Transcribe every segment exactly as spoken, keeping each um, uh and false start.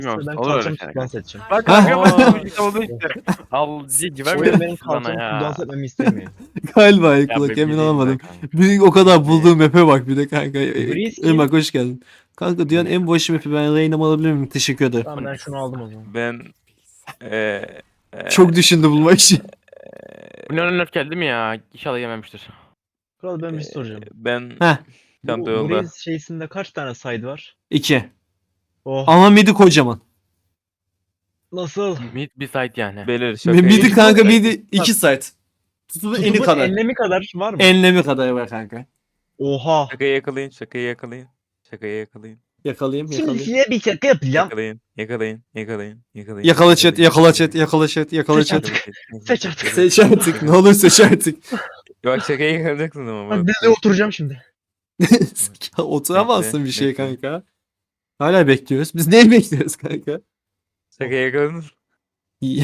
Bilmiyorum. Ben Olur öyle kalçamı şeyler. kullan seçeceğim. Bak Ha? kanka ben işte oldu işte. Al zi Oyun güvenmiyor benim musun bana kalçamı kullan ya? setmemi istemiyor. Galiba Ya Kulak be, emin bileyim olamadım. ben kanka. Bir, o kadar bulduğum map'e bak bir de kanka. Breeze kim? Irmak hoş geldin. Kanka dünyanın en boş map'i, ben Reyna'mı alabilir miyim? Teşekkür ederim. Tamam ben şunu aldım o zaman. Ben eee eee, Çok düşündü bulmak için. Bu ne önüne geldi mi ya? İnşallah yememiştir. Kral ben bir şey soracağım. ben Heh. Bu çanta yolda. Breeze şeysinde kaç tane side var? İki. Oh. Ama midi kocaman. Nasıl? Mid bir site yani. Belir şakayı. Midi kanka midi iki site. Tutulur eni Tutubun kadar. enlemi kadar var mı? Enlemi kadar var kanka. Oha. Şakayı yakalayın, şakayı yakalayın. Şakayı yakalayın. Yakalayayım Şimdi yakalayayım. size bir şaka yapacağım. Yakalayın, yakalayın, yakalayın, yakalayın. Yakala chat yakala chat yakala chat yakala Seç chat. artık. Seç artık. Seç artık ne olur seç artık. Bak şakayı yakalayacaksın ama. Ben bak. dizide oturacağım şimdi. Ya oturamazsın Bekle, bir şey bekle. kanka. Hala bekliyoruz. Biz neyi bekliyoruz kanka? Şakayı yakaladın. İyi.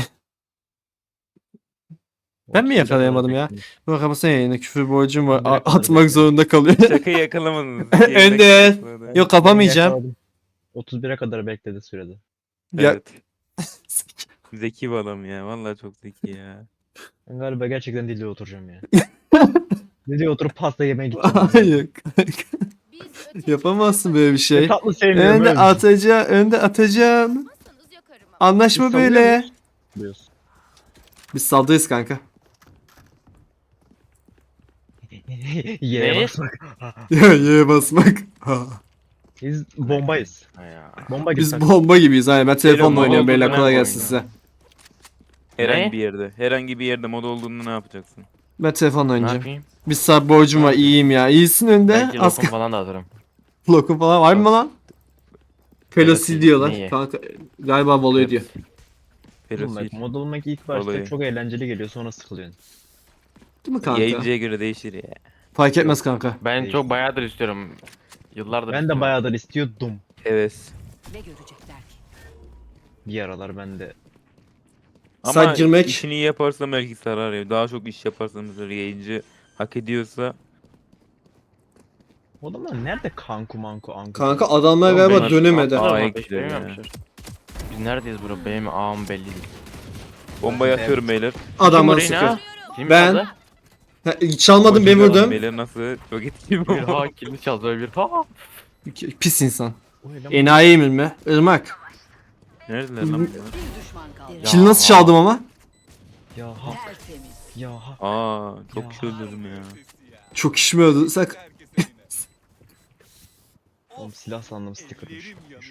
Ben mi yakalayamadım ya? Bak ama sen yayına küfür borcum var. Ben A- direkt kadar atmak bekliyorum. zorunda kalıyor. Şakayı yakalamadınız. Önder. Yok kapamayacağım. otuz bire kadar bekledi sürede. Ya Evet. Zeki bir adam ya. Vallahi çok zeki ya. Ben galiba gerçekten dizide oturacağım ya. Dizide oturup pasta yemeye gideceğim. hayır kanka. Yapamazsın böyle bir Ne şey. tatlı sevmiyorum. Önde öyle. atacağım, önde atacağım. Anlaşma Biz böyle. savunuyoruz. Biliyorsun. Biz saldırırız kanka. Yere Ne? basmak. Ya yere basmak. Ha. Biz bombayız. Ha ya. Bomba gibi. Biz sen. bomba gibiyiz. Aynen ben telefonla Beyler, oynuyorum moda beyler. olduğunu Kolay ne gelsin oynuyor? size. Herhangi Ne? bir yerde. Herhangi bir yerde moda olduğunu ne yapacaksın? Ben telefonla Ne oynayacağım. yapayım? Bir saat borcum var. İyiyim ya. İyisin önde. Belki Az lokum falan da alırım. lokum falan var mı lan? Pelosi Pelosi diyorlar. neyi? Kanka galiba Valo'yu diyor. Pelosi. Bak, mod olmak ilk başta Olayı. çok eğlenceli geliyor sonra sıkılıyorsun. Değil mi kanka? Yayıncıya göre değişir ya. Fark etmez kanka. Ben Değil. çok bayağıdır istiyorum. Yıllardır Ben de istiyorum. bayağıdır istiyordum. Evet. Ne görecekler ki? Bir aralar ben de. Ama Saat girmek. işini iyi yaparsan belki sarar ya. Daha çok iş yaparsan mesela yayıncı hak ediyorsa O adamlar nerede kanku manku anku? Kanka adamlar Oğlum galiba benim- dönemedi. Aa, Aa, aa, ekliyor beş ya. yapmışlar. Biz neredeyiz bro? Benim ağam belli değil. bombayı atıyorum beyler. Adam Kim bana orayı sıkıyor. ne? Kim Ben- çaldı? Ha, çalmadım ben Koşuyor adam vurdum. Beyler nasıl? Çok etkili Bir bomba. ha kilini çaldı bir ha. Pis insan. O ne lan? Enayi mi mi? Irmak. Neredeler lan bunlar? Bir düşman kaldı. Ya. Kill nasıl çaldım ama? Ya ha. Tertemiz. Ya ha. Aa çok Ya. kişi öldürdüm ya. Çok işimi öldü. Sak. Oğlum silah sandım stickermış.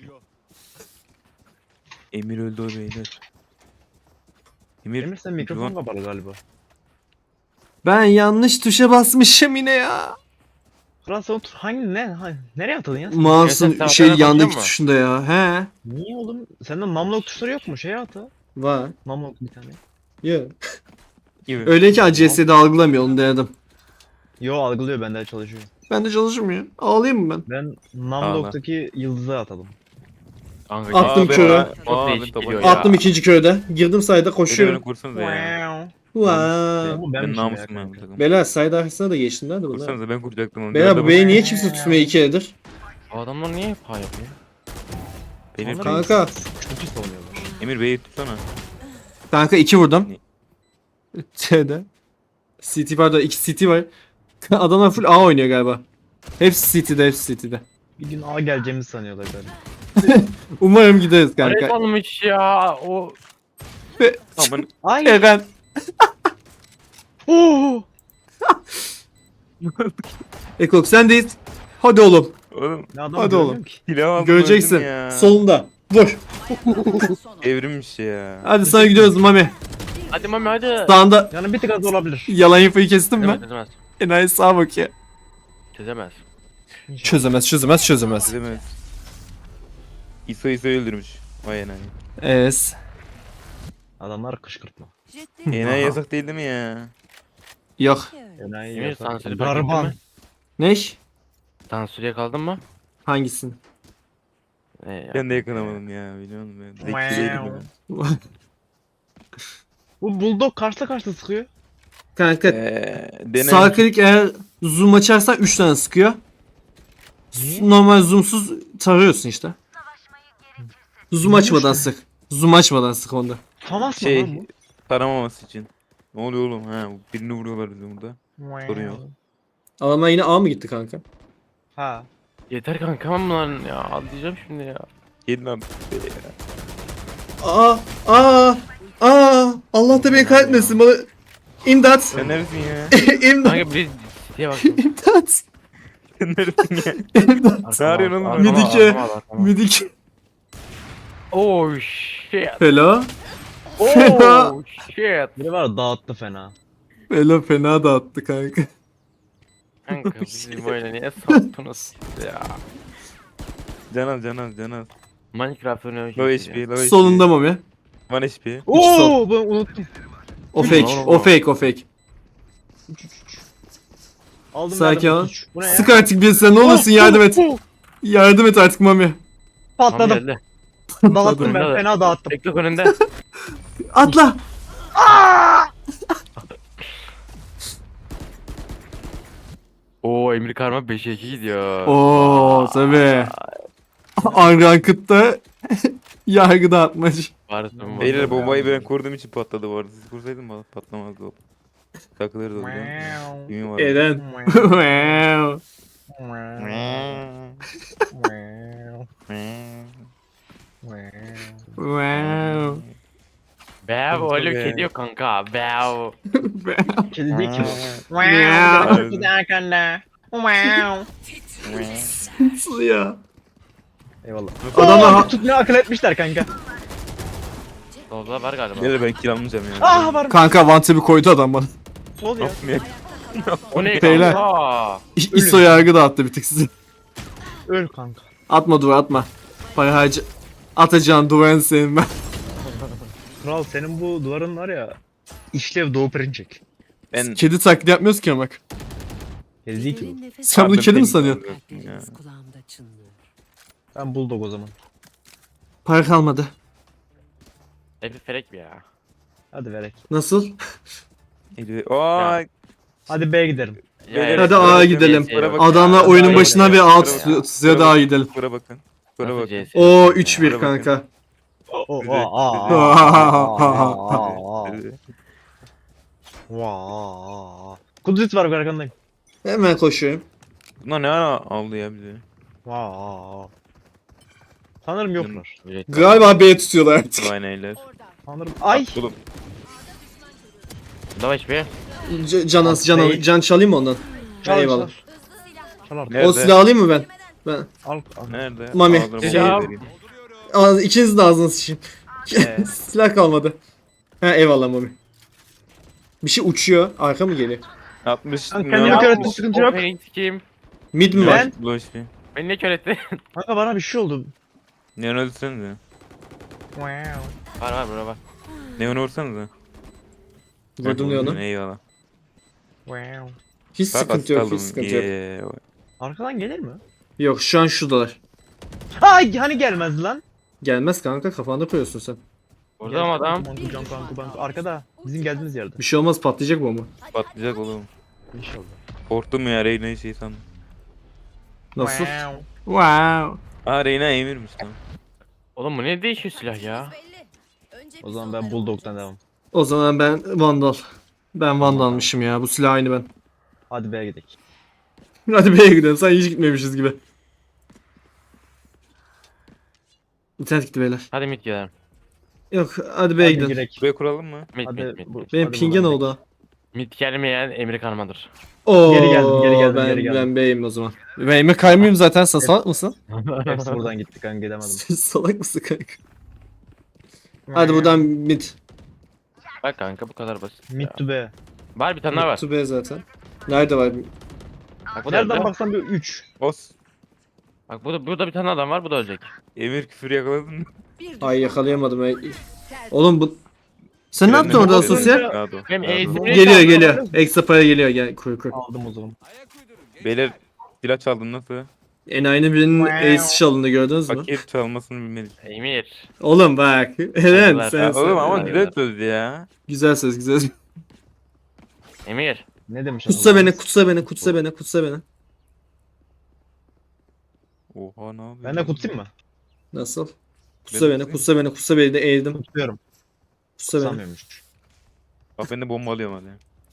Emir öldü o beyler. Emir, Emir sen mikrofon kapalı galiba. Ben yanlış tuşa basmışım yine ya. Kral sen otur. Hangi ne? Ha, nereye atıldın ya? sen? Mouse'un Gerçekten şey haberine yandaki bakıyor mu? tuşunda ya. He. Niye oğlum? Sende numlock tuşları yok mu? Şeye atı. Var. Numlock bir tane. Yok. gibi. Öyle ki A C S'de algılamıyor onu denedim. Yo algılıyor bende çalışıyor. Ben de çalışmıyor. Ağlayayım mı ben? Ben numlock'taki yıldızı atalım. Kanka, Attım Aa, ben- körü. Aa, Çok aa, değişik ben geliyor tabanca- ya. Attım ikinci köyde. Girdim sayda Beyler koşuyorum. kursanıza ya. Wow. Bu Ben benmişim ya namusum ya bu kanka. takım. Beyler sayda arkasına da geçtim lan de bunlar. Kursanıza ben kuracaktım onu. Beyler bu Dörde beyi niye kimse tutmuyor iki eldir? Bu adamlar niye hep ha yapıyor? Benim Sonra Kanka. Çok iyi savunuyorlar. Emir Bey'i tutsana. Kanka iki vurdum. Şeyde. C T pardon iki C T var. Adamlar full A oynuyor galiba. Hepsi C T'de hepsi C T'de. Bir gün A geleceğimizi sanıyorlar galiba. Umarım gideriz Araya kanka. kalmış ya o. Aman Ay. Eren. Oo. Ekok sendeyiz. Hadi oğlum. oğlum Ne adam Hadi görmüyorum oğlum. ki. silah aldım Göreceksin. öldüm ya. Solunda. Vur. Son Evrimmiş ya. Hadi sana gidiyoruz Mami. Hadi mami hadi. Sağında Yani bir tık az olabilir. yalan infoyu kestin mi? Çözemez çözemez. Enayi sağa bakıyor. Çözemez. Çözemez çözemez çözemez. Çözemez. İso İso öldürmüş. Vay enayi. Es. Adamlar kışkırtma. ciddi. Enayi yasak değil değil mi ya? Yok. Enayi Emir yasak. sansürü fark ettin Garban. mi? Ne? Sansürye kaldın mı? Hangisini? Ee, ya. Ben de yakalamadım ya biliyor musun ben. Zeki değilim ya. Bu bulldog karşıla karşıla sıkıyor. Kanka Eee dene. sağ klik eğer zoom açarsan üç tane sıkıyor. Niye? Normal zoomsuz tarıyorsun işte. Zoom açmadan sık. Zoom açmadan sık onda. Tamaz mı Şey lan bu? taramaması için. Ne oluyor oğlum ha? Birini vuruyorlar bizim burada. Sorun yok. Adamlar yine A mı gitti kanka? Ha. Yeter kankam lan ya. Atlayacağım şimdi ya. Gelin abi. Aa, aa, aa. Allah da beni kahretmesin bana. İmdat. Sen neresin ya? İmdat. Kanka bir siteye baktım. İmdat. Sen neresin ya? İmdat. Ne arıyorsun oğlum? Arkama, Midike. arkama, arkama. Midik. Oh shit. Fela. Fena. Oh shit. Biri var dağıttı fena. Fela fena dağıttı kanka. Kanka bizi böyle niye soktunuz ya? Canaz canaz canaz. Minecraft oynuyor. Low H P low H P. Solunda mı be? one H P. Oo, ben unuttum. O fake. O fake. O fake. Aldım Sakin verdim, ol. üç. Bu ne ya? Sık artık bir sen ne olursun yardım et. Yardım et artık Mami. Patladım. Geldi. Dağıttım ben Önünde. fena dağıttım. Bekle önünde. Atla. Oo Emir Karma beşe iki gidiyor. Oo tabii. Unranked'da yargı dağıtmacı. Varsın Beyler bombayı ben kurduğum için patladı bu arada. Siz kursaydın bana patlamazdı o. Takılırdı o zaman. Düğün var. Eren. Wow. Wow. Bev oğlum Tabii. kedi yok kanka. Bev. Kedi değil ki bu. Ya. Kedi arkanda. Wow. Nasıl ya? Eyvallah. Adamlar Adamlar ha- tutmaya akıl etmişler kanka. Solda var galiba. Beyler ben kill almayacağım yani. Ah var. Kanka vantep'i koydu adam bana. Sol ya. Yapmaya- O ne Beyler. kanka? İ- İso yargı dağıttı bir tık size. Öl kanka. Atma duvar atma. Para harcı. Atacağın duvarın senin ben. Kral senin bu duvarın var ya. İşlev doğu perinçek. Ben Kedi taklidi yapmıyoruz ki ama. Kedi değil ki bu. Sen bunu Pardon, kedi mi benim sanıyorsun? ya. Kalpleriniz kulağımda çınlıyor. Ben bulldog o zaman. Para kalmadı. Evi felek bir ya. Hadi verek. Nasıl? Eli- Aa, Hadi B'ye gidelim. Beyler, Hadi A'ya A'ya şey gidelim. Bana bakın. Adamlar Ya, oyunun ya, başına ya, bir ya. alt Bana tutuyor. bakın. Size daha gidelim. Skora bakın. Skora Nasıl bakın. C S? Oo üç bir Bana bakın. kanka. Oo, Bizi- Vaa. Kudret var arkandayım. Hemen koşuyorum. Bunlar ne ara aldı ya bizi? Vaa. Sanırım yoklar. Galiba B tutuyorlar artık. Vay neyler. Sanırım. Ay. Oğlum Davaş be. C- can as can al- can çalayım mı ondan? Çal Eyvallah. çal. Çal artık. Nerede? O silahı alayım mı ben? Ben. Al. al. nerede? Mami. Ağzına Şey- bombayı vereyim. Ağzı, ikiniz de ağzına sıçayım. Ee. Silah kalmadı. Ha eyvallah Mami. Bir şey uçuyor. Arka mı geliyor? altmış. Lan kendimi kör ettim, sıkıntı yok. Opening kim? Mid mi var? Ben- Loş bir. Beni ne kör etti? Kanka bana bir şey oldu. Neon öldürsenize. Wow. var var bura var. Neon vursanıza. Vurdum diyor onu. Eyvallah. Wow. Hiç Bak, sıkıntı yok, asıldım. hiç sıkıntı yok. Yeah. Arkadan gelir mi? Yok şu an şuradalar. Ay hani gelmez lan. Gelmez kanka kafanda koyuyorsun sen. Burada mı adam? Banku, can, banku, banku. Arkada. Bizim geldiğimiz yerde. Bir şey olmaz patlayacak bomba. Patlayacak oğlum. İnşallah. Korktum ya Reyna'yı şey sandım. Nasıl? Wow. Wow. Aa Reyna emirmiş lan. Oğlum bu ne değişiyor silah ya? O zaman ben bulldog'dan devam. O zaman ben Vandal. Ben Vandal'mışım ya. Bu silah aynı ben. Hadi B'ye gidelim. Hadi B'ye gidelim. Sen hiç gitmemişiz gibi. İnternet gitti beyler. Hadi mid gidelim. Yok hadi B'ye Hadi gidelim. girek. Buraya kuralım mı? Mid Hadi. mid mid. bu- Benim hadi ping'e ne buradan oldu? ha? Mid gelmeyen Emir Karma'dır. Oo, Geri geldim, geri geldim, ben, geri geldim. Ben B'yim o zaman. Ben Emre kaymayayım zaten. Sen salak mısın? gidelim. Hepsi buradan gitti kanka gidemedim. Sen salak mısın kanka? Hadi buradan mid. Bak kanka bu kadar basit. Mid ya. to B. Var bir tane daha var. To B zaten. Nerede var? Bak bu da Nereden öldü. baksan bir üç. Os. Bak burada, burada bir tane adam var bu da ölecek. Emir küfür yakaladın mı? Ay yakalayamadım. Ay. Oğlum bu... Sen ne Trenle yaptın orada mi gidiyorsun? sosyal? Rahat ol, Benim rahat ol. eğitim- Geliyor geliyor. Ekstra para geliyor. Gel kur kur. Aldım o zaman. Beyler silah çaldım nasıl? Enayinin birinin ace çalındı gördünüz mü? Paket çalmasını bilmedik. Emir. Oğlum bak. Eren Saygılar. sen, Ya sen. Oğlum ama Hayır. güzel söz ya. Güzel söz güzel söz. Emir. Ne demiş Kutsa adam? beni kutsa beni kutsa beni kutsa beni. Oha ne yapıyorsun? Ben de kutsayım mı? Nasıl? Kusa beni, kusa beni, kusa beni de eğildim. Tutuyorum. Kusa beni. Sanmıyormuş. Bak ben de bomba alıyorum hadi.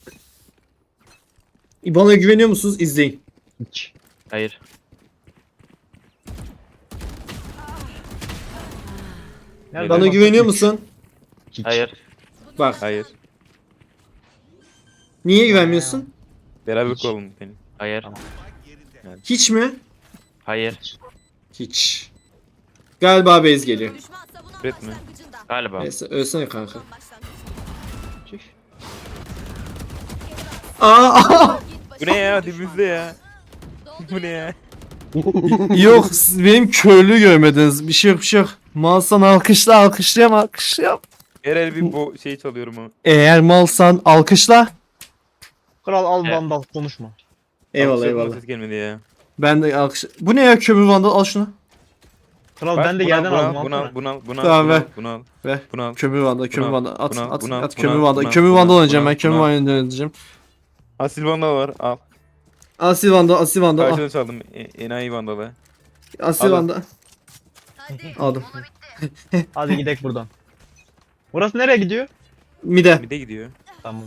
Bana güveniyor musunuz? İzleyin. Hiç. Hayır. Nerede Bana baktın? güveniyor Üç. musun? Hiç. Hayır. Bak. Hayır. Niye güvenmiyorsun? Beraber Hiç. kuralım seni. Hayır. Tamam. Hiç mi? Hayır. Hiç. Galiba base geliyor. Üretme. Galiba. Neyse ölsene kanka. Tüh. Aa! Bu ne ya dibimizde ya. Bu ne ya? Yok siz benim körlüğü görmediniz. Bir şey yok bir şey yok. Malsan alkışla alkışlayam alkışlayam. Herhalde bir bu şeyi çalıyorum ama. Eğer malsan alkışla. Kral al Evet. vandal konuşma. Eyvallah Alkışladım da eyvallah. Ses gelmedi ya. Ben de alkış. Bu ne ya kömür vandal al şunu. Kral Bak, ben de bunu yerden al, aldım. Bunu al, alsana. bunu al, bunu al, Tamam, bunu al, ver. bunu al, Ver. bunu al. Kömür vandal kömür Buna- vandal at buna- at buna- at buna- kömür vandal buna- kömür buna- vandal oynayacağım buna- ben kömür buna- vandal oynayacağım. Asil vandal var, al. Asil vandal asil vandal al. Karşıdan çaldım, e, enayi vandalı. Asil Al. vandal. Aldım. Hadi gidelim buradan. Burası nereye gidiyor? Mide. Bir de gidiyor. Tamam.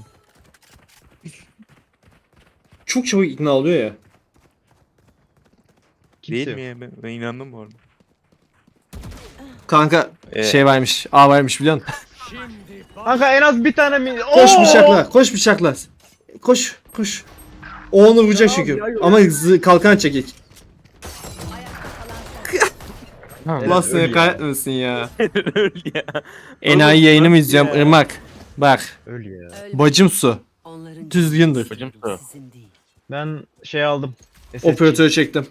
Çok çabuk ikna oluyor ya. Kimse Değil yok. mi ya? Ben, ben inandım bu arada. Kanka Ee, şey varmış. A varmış biliyor musun? Kanka en az bir tane mi? Koş Oo! bıçakla. Koş bıçakla. Koş koş. O onu vuracak çünkü. ya, ya. Ama zı- kalkan çekik. Evet, Allah seni öyle ya. kahretmesin ya. Öyle ya. Enayi Oğlum, yayınımı nasıl izliyorum. ya? Irmak. Bak. Öyle ya. Bacım su. Onların Düzgündür. Bacım su. sizin değil. Ben şey aldım. S S C. Operatörü çektim.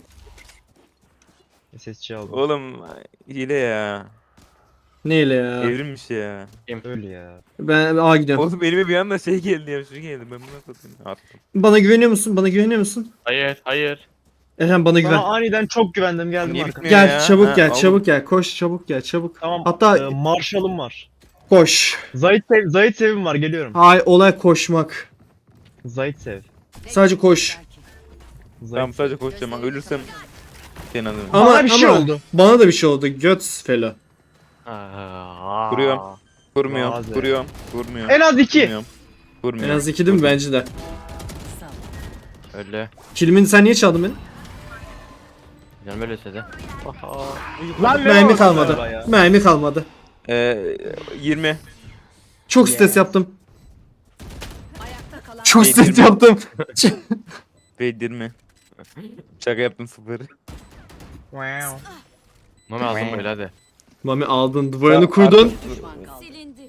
S S C aldım. Oğlum hile ya. Neyle ya? Evrimmiş ya. Öyle ya. Ben A gidiyorum. Oğlum elime bir anda şey geldi ya, şu geldi. Ben bunu atladım. Attım. Bana güveniyor musun? Bana güveniyor musun? Hayır. Hayır. Eren bana güven. Sana aniden çok güvendim geldim Niye arkana. bitmiyor Gel ya? çabuk Ha, gel oğlum. çabuk gel. Koş çabuk gel çabuk. Tamam. Hatta e, Marshall'ım var. koş. Zayit sev, Zayit sevim var geliyorum. Hay olay koşmak. Zayit sev. Sadece koş. Zayit. Tamam sadece koşacağım. Ben ölürsem seni alırım. Ama Bana bir şey ama oldu. Bana da bir şey oldu. Göt felo. Aa. Kuruyorum. Vurmuyorum, Bazı. vuruyorum, vurmuyorum. En az iki. Vurmuyorum. En Vurmuyorum. az iki değil mi? Bence de. Sağ ol. Öyle. Kilimini sen niye çaldın beni? Canım öyle istedi. Lan ne Mermi var kalmadı. galiba ya? Mermi kalmadı. Ee, yirmi. Çok stres yaptım. Ayakta kalan Çok Şey, stres yirmi. yaptım. Ve yirmi. Şaka yaptım sıfır. Wow. Mami aldım böyle hadi. Mami aldın duvarını Ya, kurdun. artık- düşman kaldı. Silindi.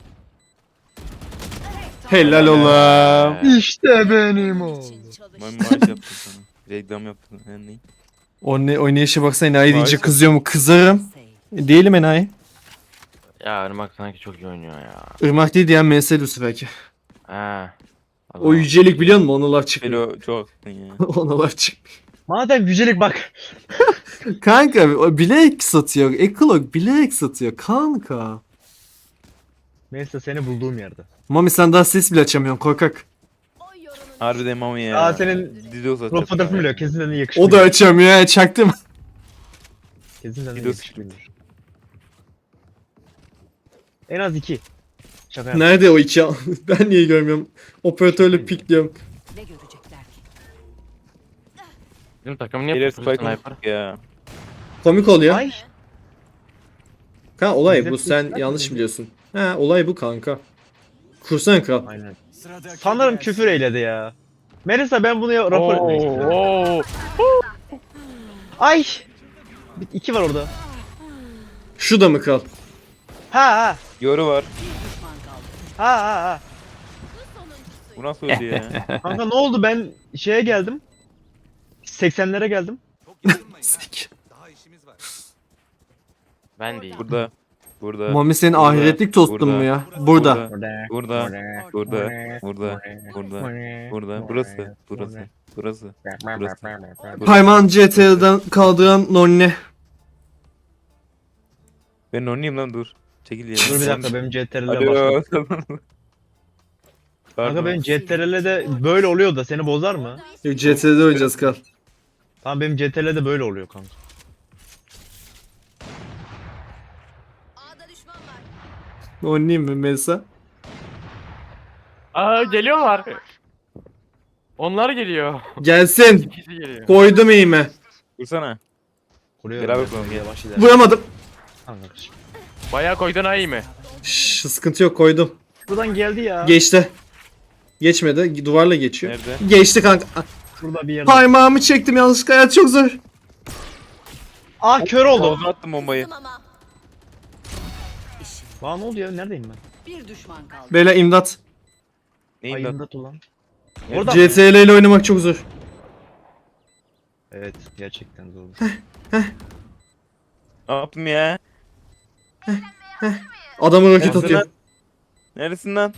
Helal oğlum. İşte benim oğlum. Ben maaş yaptım sana. Reklam yaptım. Yani neyim? O ne oynayışa baksana enayi deyince Maalesef. kızıyor mu? Kızarım. Save. E, Değilim enayi. Ya Irmak sanki çok iyi oynuyor ya. Irmak değil diyen M S Lucy belki. Ha. O yücelik biliyor musun? Ona laf çıkmıyor. Felo çok haklısın ya. Ona laf çıkmıyor. Madem yücelik bak. Kanka o bilerek satıyor. Ekolog bilerek satıyor kanka. Neyse seni bulduğum yerde. Mami sen daha ses bile açamıyorsun korkak. Harbiden mami ya. Aa, senin Dido uzatacak. Profil fotoğrafını biliyor. Kesin de yakışıklı. O da açamıyor ya çaktım. Kesin de Videosu. yakışıklıymış. En az iki. Şaka yap. Nerede o iki? Ben niye görmüyorum? Operatörle pikliyorum. Ne görecekler ki? Bizim takım niye Gelir yapıyor spike sniper? ya. Komik oluyor. Ay. Kanka olay Bize bu sen pikler yanlış mi? biliyorsun. He olay bu kanka. Kursana kral. Aynen. Sanırım küfür eyledi ya. Melisa ben bunu ya- rapor etmek istiyorum. Oo. Ay. Bir- İki var orada. Şu da mı kral? Ha ha. Yoru var. Düşman kaldı. Ha ha ha. Bu nasıl öldü ya? Kanka ne oldu ben şeye geldim. seksenlere geldim. Sik. Ben değil. Burada. Burada. Mami senin Burada, ahiretlik tostun burada, mu ya? Burada. Burada. Burada. Burada. Burada. Burada. Burada. Burası. Burası. Burası. Burası. Parmağın C T R'den kaldıran nonne. Ben oynayayım lan dur. Çekil ya. Dur bir dakika benim C T R L'e Alo. bak. Pardon. Kanka benim C T R L'de böyle oluyor da seni bozar mı? Yok C T R'de oynayacağız kral. Tamam benim C T R L'de böyle oluyor kanka. Oynayayım mı Melisa? Aa geliyorlar. Onlar geliyor. Gelsin. İkisi geliyor. Koydum eğime. Vursana. Kuruyorum. Beraber ben. kuralım, gel. Yavaş ilerle. Vuramadım. Tamam kardeşim. Bayağı koydun ha iyi mi? Şşş, sıkıntı yok, koydum. Buradan geldi ya. Geçti. Geçmedi. Duvarla geçiyor. Nerede? Geçti kanka. Burada bir yerde. Parmağımı çektim yanlışlıkla. Hayat çok zor. Ah kör oldu. Ağzına attım bombayı. Kızdım ama. İşin. Bana ne oldu ya? Neredeyim ben? Bir düşman kaldı. Beyler imdat. Neyin lan? Ayında ulan. Nerede? Orada C S L ile oynamak çok zor. Evet gerçekten zor. Ne yaptım ya? Adamı roket Neredesin atıyor. lan? Neredesin lan?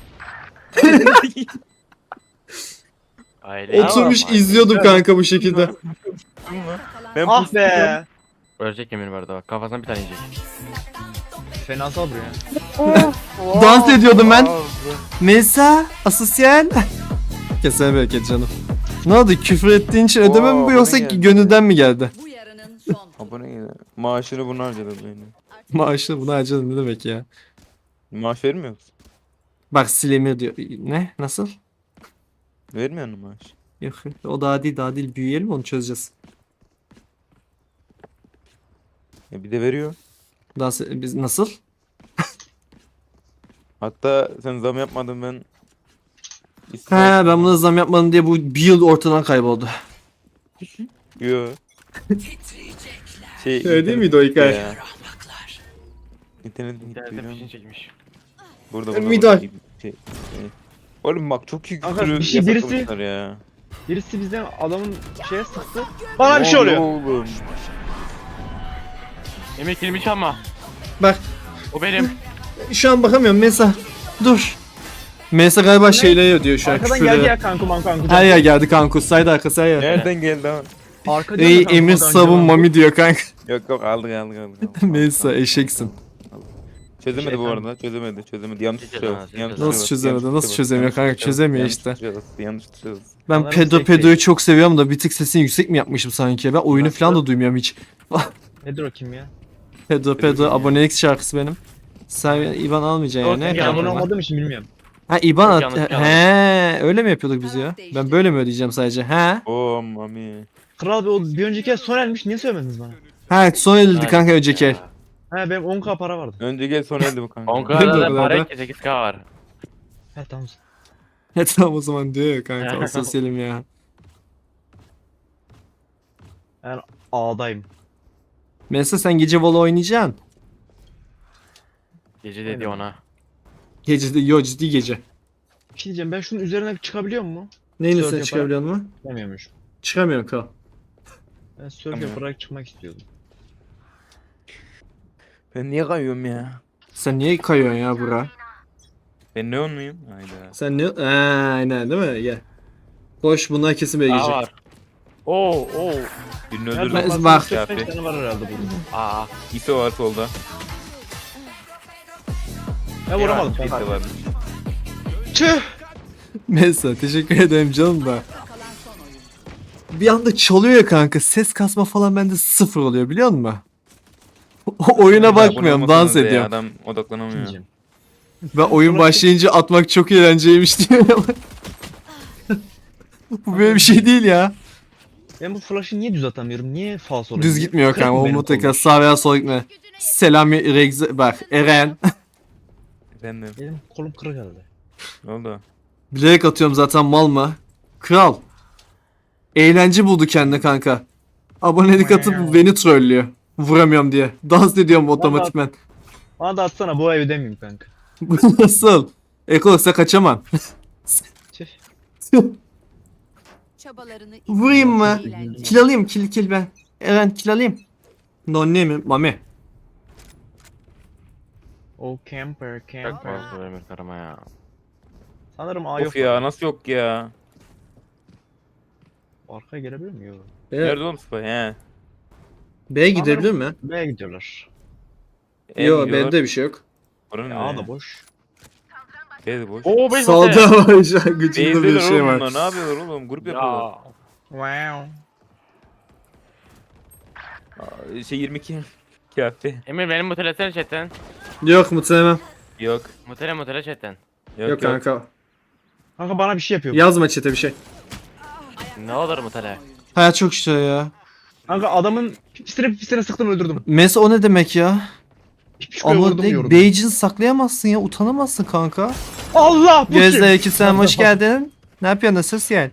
Aile Oturmuş ama. izliyordum kanka bu şekilde. Ayakta kalan Ben Ah pustum. be. Ölecek yemin vardı bak. Kafasına bir tane yiyecek. Fenasal buraya. Dans ediyordum ben. Melisa, asosyal. Kesene bereket canım. Ne oldu? Küfür ettiğin için ödeme mi bu Oo, yoksa bana geldi. gönülden mi geldi? bu yarının son. Abone gel. Maaşını bunu harcadım yani. Maaşını buna harcadın ne demek ya? Maaş vermiyor musun? Bak Silemir diyor. Ne? Nasıl? Vermiyor musun maaş? Yok o daha değil daha değil. Büyüyelim onu çözeceğiz. Ya bir de veriyor. Daha se- biz nasıl? Hatta sen zam yapmadın ben. He İstemem. ben buna zam yapmadım diye bu bir yıl ortadan kayboldu. Yo. Şey, Öyle değil miydi o hikaye? Ya. İnternet gitti. İnternette biliyor fişini fişini çekmiş. Burada burada. Midol. burada. Şey, şey. Oğlum bak çok iyi Kanka, küfürü bir şey birisi- yasaklamışlar ya. Birisi bizden adamın şeye sıktı. Bana bir şey oluyor. Oğlum. Emir kilimi çalma. Bak O benim. şu an bakamıyorum Mesa. Dur. Mesa galiba şeyleri ödüyor şu an Arkadan geldi küfürleri. ya kanku man kanku. Her yer geldi kanka. Saydı arkası her yer. Nereden geldi ama? Arkadan Ey kanku, Emir kanku, sabun kanku. mami diyor kanka. Yok yok aldık aldık aldık. aldık. Mesa eşeksin. Çözemedi bu Şeytan. arada çözemedi çözemedi yanlış Çözemez, tuşa bas, yanlış çözemez. tuşa Nasıl bas, çözemedi, yanlış nasıl tuşa bas, çözemiyor yanlış kanka? tuşa bas, Çözemiyor yanlış işte. tuşa bas, Yanlış tuşa bas. Ben Sanırım Pedro tek Pedro'yu değil. çok seviyorum da bir tık sesini yüksek mi yapmışım sanki? Ben oyunu Nasıl? falan da duymuyorum hiç. Nedir o kim ya? Pedro Pedro Pedro kim ya? abonelik şarkısı benim. Sen İban almayacaksın Yok, yani. ya, Ben Yanlış abone ama. olmadığım için bilmiyorum. Ha İban at. Yanlış, yanlış. He, öyle mi yapıyorduk biz ya? Ben böyle mi ödeyeceğim sadece? He? Oo mami. Kral bir, o bir önceki el son elmiş niye söylemediniz bana? Ha son edildi Aynen kanka önceki el. ya. He benim on k para vardı. Önce gel sonra elde bu kanka. on Ne K'da bu da kadar para da? etti, sekiz K var. He tamam. Ya tamam o zaman diyor ya kanka asosyalim ya. Ben A'dayım. Mesela sen gece vola oynayacaksın. Gece dedi Aynen. ona. Gece de yo ciddi gece. Bir şey diyeceğim ben şunun üzerine çıkabiliyor mu? Neyin Surf üstüne yaparak. çıkabiliyor mu? Çıkamıyormuş. Çıkamıyorum kal. Ben surf Tamam. yaparak çıkmak istiyordum. Ben niye kayıyorum ya? Sen niye kayıyorsun ya bura? Ben ne muyum? Hayda. Sen ne? Aa, aynen değil mi? Gel. Koş bunlar kesin böyle Aa gelecek. var. Oo oo. Birini Her öldürdüm. Ben- zaman bak. seksen tane var herhalde burada. Aa. İso var solda. Ben vuramadım. İso var. Tüh! Mesela teşekkür ederim canım da. Ayakta kalan son oyun. Bir anda çalıyor ya kanka. Ses kasma falan bende sıfır oluyor biliyor musun? O oyuna bakmıyorum, dans Ya, ediyorum. adam odaklanamıyor. Diyeceğim. Ben oyun başlayınca atmak çok eğlenceliymiş diyor. Bu böyle bir şey değil ya. Ben bu flash'ı niye düz atamıyorum? Niye falso oluyor? Düz gitmiyor Kırık kanka. mı O benim mutlaka kolum? sağ veya sol gitme. Selam Regze bak Eren. Efendim. Benim kolum kırık herhalde. Ne oldu? Bilerek atıyorum zaten mal mı? Kral. Eğlence buldu kendine kanka. Abonelik atıp beni trollüyor. Vuramıyorum diye. Dans ediyorum otomatikmen. Bana da atsana bu ev ödemeyeyim kanka. Bu nasıl? Ekologsa kaçamam. Tüh. Çabalarını Vurayım mı? eğlence. Kill alayım kill kill ben. Eren kill alayım. Nonne mi? Mami. O camper Çok camper. fazla Emir karama ya. Sanırım A yok. Of ya nasıl yok ya? Arkaya gelebilir mi? Yok. Nerede oğlum Spy he? B'ye gidebilir mi? B'ye gidiyorlar. E Yok gidiyorlar. B'de bir şey yok. Oranın Ya ne A ya? da boş. B de boş. Oo beş Solda var şu an gıcıklı bir B'deler şey oğlum var. bunlar. Ne yapıyorlar oğlum? Grup yapıyorlar. Ya. Wow. Aa, Şey yirmi iki. Kafi. Emir benim mutelesene chatten. Yok muhtemelen. Yok. Mutele mutele chatten. Yok, Yok, yok. kanka. Kanka bana bir şey yapıyor. Yazma chat'e bir şey. Ne olur mutele? Hayat çok işte ya. Kanka adamın pipisine pipisine sıktım öldürdüm. Mes o ne demek ya? Pipişkoya Ama vurdum de, yordum. Beyci'ni saklayamazsın ya. Utanamazsın kanka. Allah bu Gözde kim? iki sen hoş geldin. Ne yapıyorsun? Nasılsın yani?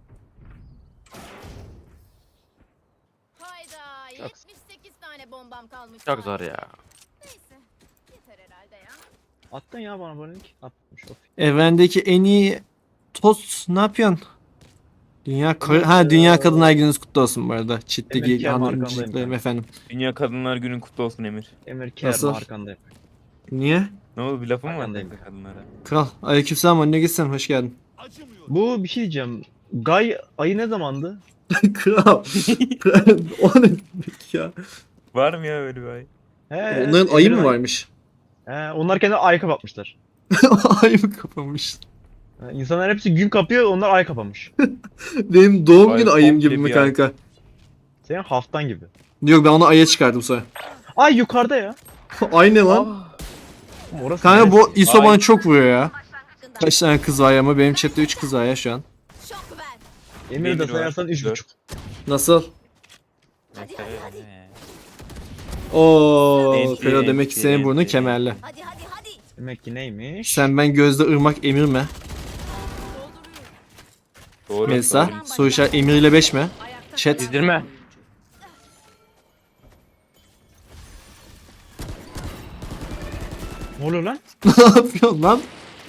Hayda yetmiş sekiz tane bombam kalmış. Çok zor ya. Neyse. Yeter herhalde ya. Attın ya bana böyle link. Atmış of. Evrendeki en iyi tost ne yapıyorsun? Dünya Kar- ha Dünya Kadınlar Gününüz kutlu olsun bu arada. Emir Çitteki Kerem hanımcıklarım arkandayım. efendim. Dünya Kadınlar Günün kutlu olsun Emir. Emir Kerem Nasıl? arkandayım. Niye? Ne oldu bir lafın mı var Arkandayım. kanka kadınlara? Kral. Aleykümselam anne gitsen hoş geldin. Bu bir şey diyeceğim. Gay ayı ne zamandı? Kral. Kral. O ne demek ya? Var mı ya öyle bir ay? He, Onların ayı Emir'in mı ayı. varmış? He, onlar kendi ay kapatmışlar. Ay mı kapamış? He, İnsanlar hepsi gün kapıyor, onlar ay kapamış. Benim doğum Ay, günü ayım komple gibi mi bir ay. kanka? Senin haftan gibi. Yok ben onu aya çıkardım sonra. Ay yukarıda ya. Ay ne lan? Orası Kanka bu neresi? ISO Ay. bana çok vuruyor ya. Kaç tane kız var ama benim chatte üç kız var ya şu an. Şok ver. Emir de Emir var. sayarsan üç Dört. buçuk. Nasıl? Hadi hadi hadi. Oo, Enti, Fero demek ki enti, senin burnun enti. kemerli. Hadi hadi hadi. Demek ki neymiş? Sen ben gözde ırmak emir mi? Doğru. Melisa, doğru. soru işareti emir ile beş mi? Ayakta Chat. kalan İzdirme. Ne oluyor lan? Ne yapıyorsun lan?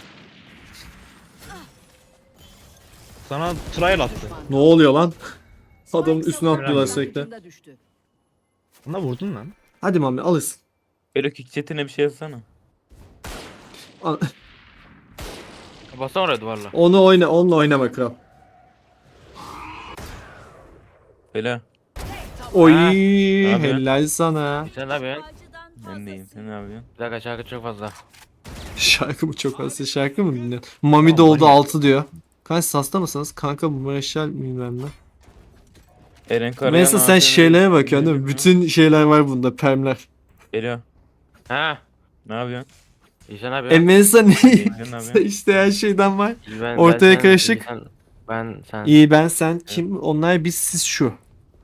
Sana trial attı. Ne oluyor lan? Adamın Spike üstüne savunucu atlıyorlar sürekli. ucunda düştü. Buna vurdun lan. Hadi mami alırsın. Böyle kick chatine bir şey yazsana. Al- Bassana oraya duvarla. Onu oyna, onunla oynama kral. Bela. Oy, Ha, yapıyorsun? helal sana. Sen ne yapıyorsun? Ben deyim. Sen ne yapıyorsun? Bir dakika şarkı çok fazla. Şarkı mı çok fazla şarkı mı dinliyorsun? Mami de oldu altı diyor. Kanka sasta mısınız? Kanka bu Marshall bilmem ne. Eren Karayan. Mesela sen A T M şeylere bakıyorsun değil mi? Bütün şeyler var bunda, permler. Bela. Ha? Ne yapıyorsun? İyi sen ne E yapıyorsun? Melisa ne? İyi, sen ne yapıyorsun? İşte her şeyden var. İyi, ben- ortaya ben sen, karışık. iyi sen- Ben sen. İyi ben sen kim? Onlar biz siz şu.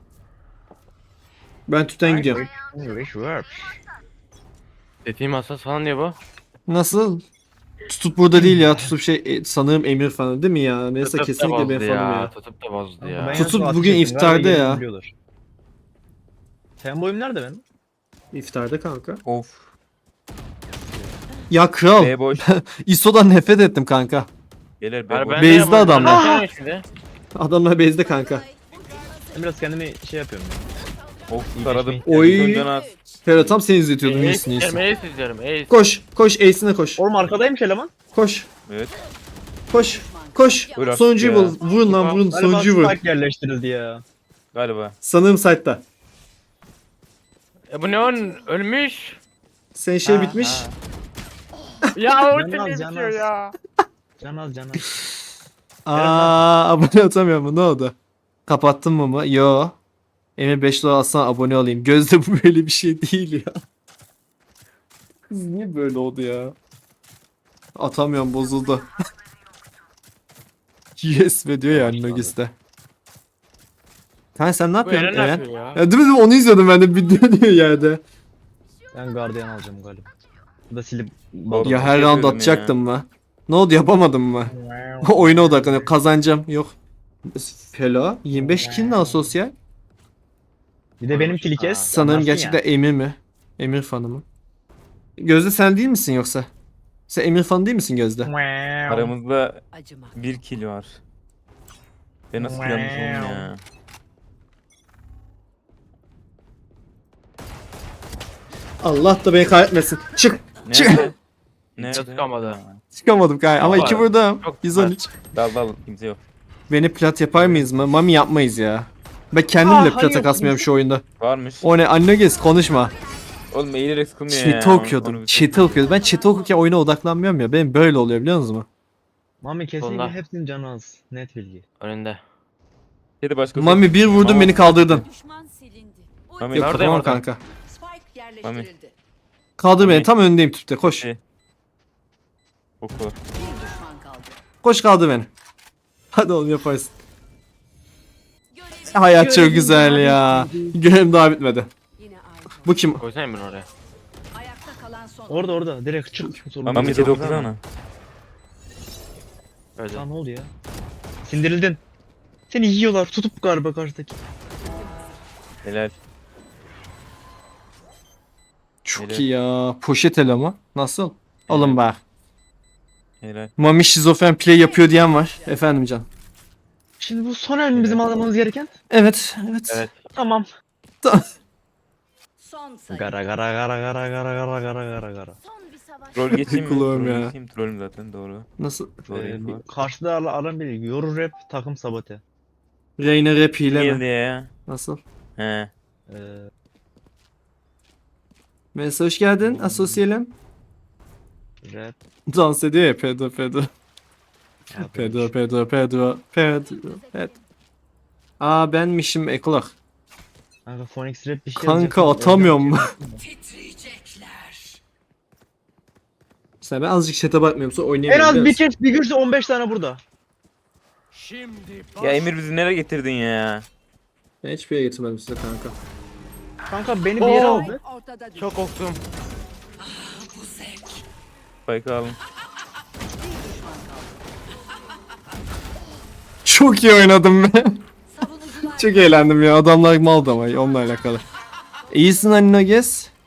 Ben tüten gidiyorum. English verb. Dediğim hassas falan diyor bu. Nasıl? Tutup burada değil ya. Tutup şey e, sanırım Emir falan değil mi ya? Melisa Tutup da kesinlikle bozdu benim fanım ya. Tutup da bozdu Ben ya. en Tutup son bugün atışa ettim, iftarda galiba ya. yerini biliyorlar. Sen boyum nerede benim? İftarda kanka. Of. Ya kral. B boş. ISO'dan nefret ettim kanka. Gelir B Hayır, boş. ben Base'de de yapamadım. adamlar. Ben de şimdi. Adamlar base'de kanka. Ben biraz kendimi şey yapıyorum ya. Of taradım. Oy. Öncan az. Fero tam seni izletiyordum Ace iyisin izliyorum, iyisin. Ace izliyorum, Ace. Koş. Koş. Ace'ine koş. Oğlum arkadaymış eleman. Koş. Evet. Koş. Koş. Buyur artık Sonuncuyu ya. bul. Vurun lan vurun. Galiba Sonuncuyu vur. spike yerleştirildi ya. Galiba. Sanırım site'da. E bu ne on? Ölmüş. Senin şey Ha, bitmiş. ha. Ya o Canaz, ne canaz. bitiyor ya. Canaz canaz. Aa abone atamıyor mu? Ne oldu? Kapattın mı mı? Yo. Emir beş dolar alsana abone olayım. Gözde bu böyle bir şey değil ya. Kız niye böyle oldu ya? Atamıyorum bozuldu. Yes ve diyor ya Nogis'te. Kanka sen ne Bu yapıyorsun Eren ne Eren? yapıyor ya? Ya değil mi? Onu izliyordum ben de video diyor yerde. Ben gardiyan alacağım galiba. Bu da silip Oğlum, Ya bir her şey round diyordum atacaktım mı? Ne oldu yapamadım mı? Oyuna odaklanıyorum. Kazanacağım. Yok. Hello. yirmi beş kill ne asosyal? Bir de benim kili kes. Sanırım anlarsın gerçekten ya. Emir mi? Emir fanı mı? Gözde sen değil misin yoksa? Sen Emir fanı değil misin Gözde? Aramızda Acıma. bir kill var. Ben nasıl yanlış oldum ya. Allah da beni kahretmesin. Çık. Çık. Nerede? Nerede? Çıkamadı. Çıkamadım kanka ama Var. iki vurdum. Çok yüz on üç. Dal dal kimse yok. Beni plat yapar mıyız mı? Mami yapmayız ya. Ben kendim Aa, bile hani plata yok. kasmıyorum şu oyunda. Varmış. O ne? Anne gez konuşma. Oğlum eğilerek sıkılmıyor ya. Chat'i Onu- onu okuyordum. bir Chat'i okuyordum. Ben chat'i okurken oyuna odaklanmıyorum ya. Benim böyle oluyor biliyor musunuz? Mami kesinlikle Sonunda. hepsinin canı az. Net bilgi. Önünde. Chat'i başkası. Mami bir vurdun Tamam. beni kaldırdın. Düşman silindi. Mami Yok Neredeyim tamam orada? kanka. Spike yerleştirildi. Kaldır beni Mami. tam önündeyim tüpte koş. Şey. Oku. Bir düşman kaldı. Koş kaldır beni. Hadi oğlum yaparsın. Görev Hayat çok Görevim güzel daha ya. Görevim daha bitmedi. Yine aynı. Bu kim? Koysana bunu oraya. Ayakta kalan son. Orada orada direkt çık. Sorun Mami yok. chat okusana. Öyle. Lan ne oldu ya? Sindirildin. Seni yiyorlar tutup galiba karşıdaki. Helal. Çok Öyle. iyi ya. Poşet elama. Nasıl? Alın bak. Helal. Mami şizofren play yapıyor diyen var. Efendim can. Şimdi bu son el mi bizim almamız gereken? Evet. Evet. Evet. Tamam. Son sayı. Gara gara gara gara gara gara gara gara gara. son bir savaş. Troll geçeyim mi? Kulağım Troll ya. geçeyim. Trollüm zaten doğru. Nasıl? Troll Ee, info. bir- karşıda ara- aran bir yoru rap takım sabote. Reyna rap hile Geldi mi? ya. Nasıl? He. Ee, Mesela hoş geldin. Asosyalim. rap. Dans ediyor ya Pedro Pedro. abi. Pedro Pedro Pedro Pedro Pedro. Aa benmişim Eklak. Kanka Phoenix rap bir şey Kanka yazacaksın, atamıyorum. oradan Titriyecekler. Sen ben azıcık chat'e bakmıyorum sonra En oynayamıyorum. az biliyor bir musun? kez bir görse on beş tane burada. Ya Emir bizi nereye getirdin ya? Ben hiçbir yere getirmedim size kanka. Kanka beni bir yere Oo. aldı. Ortada düştü. Çok korktum. Bu zevk. Spike'ı alın. Bir düşman kaldı. Çok iyi oynadım ben. Savunucular Çok eğlendim ya. Adamlar maldı ama onunla alakalı. İyisin Anino Gez.